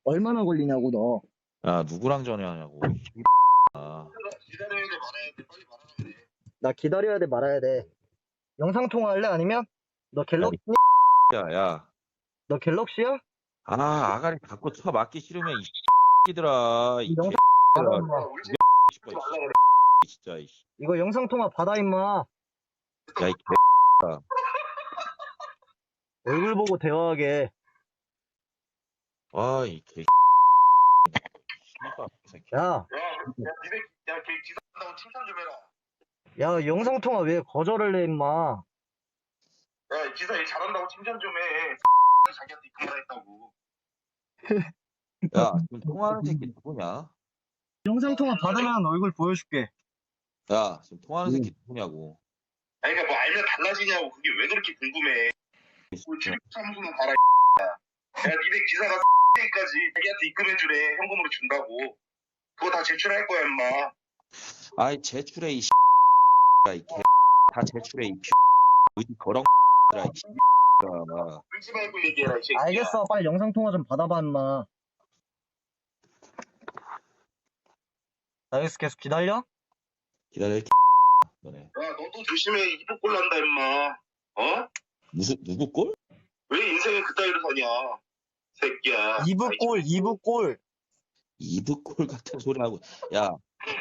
얼마나 걸리냐고 너. 야, 누구랑 전화하냐고. 아, 기다려야 돼, 말아야 돼, 빨리 말아야 돼. 나 기다려야 돼 말아야 돼. 영상 통화할래 아니면? 너 갤럭시? 야. 너 갤럭시야? 아, 아가리 갖고 쳐 맞기 싫으면 이 새끼들아. 이 영상 개새끼들아. 받아, 임마. 울지 싶어, 말라 그래. 진짜. 이씨. 이거 영상 통화 받아 임마. 야, 이 개. 얼굴 보고 대화하게. 아, 이 개. 씨발, 이 새끼. 야, 걔 기사한다고 칭찬 좀 해라. 야 영상 통화 왜 거절을 해 임마. 야, 기사 일 잘한다고 칭찬 좀 해. 자기한테 그만 했다고. 야, 지금 통화하는 새끼 누구냐? 영상 통화 받으면 얼굴 보여줄게. 야, 지금 통화하는 새끼 누구냐고. 아니, 그러니까 뭐 알면 달라지냐고. 그게 왜 그렇게 궁금해. 출입사무소는 봐라. 야, 니네 기사가 까지 자기한테 입금해주래. 현금으로 준다고. 그거 다 제출할 거야, 임마. 아이, 제출해, 이 이 개. 다 제출해, 이 어디 거렁 이 막. 울지 말고 얘기해라, 이 새끼야. 알겠어, 빨리 영상 통화 좀 받아봐 임마. 알겠어, 계속 기다려. 기다려, 이 너네. 야, 너도 조심해. 이북골 난다, 임마. 어? 누구 꼴? 왜 인생을 그따위로 사냐? 새끼야. 이브골, 이브골. 이브꼴 같은 소리 하고. 야,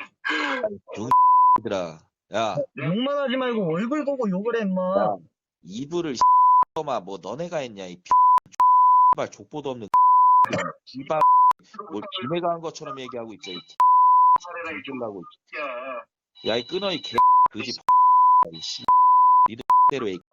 병들아. 야, 욕만 하지 말고 얼굴 보고 욕을 해 임마. 야, 이브를 마 뭐 너네가 했냐 이 발 족보도 없는 씨발 뭘 지네가 한 것처럼 얘기하고 있어 이 살해라, 이 쫄라고. 새끼야. 야, 이 끊어 이 개 그지 이 씨. 니들 대로 해.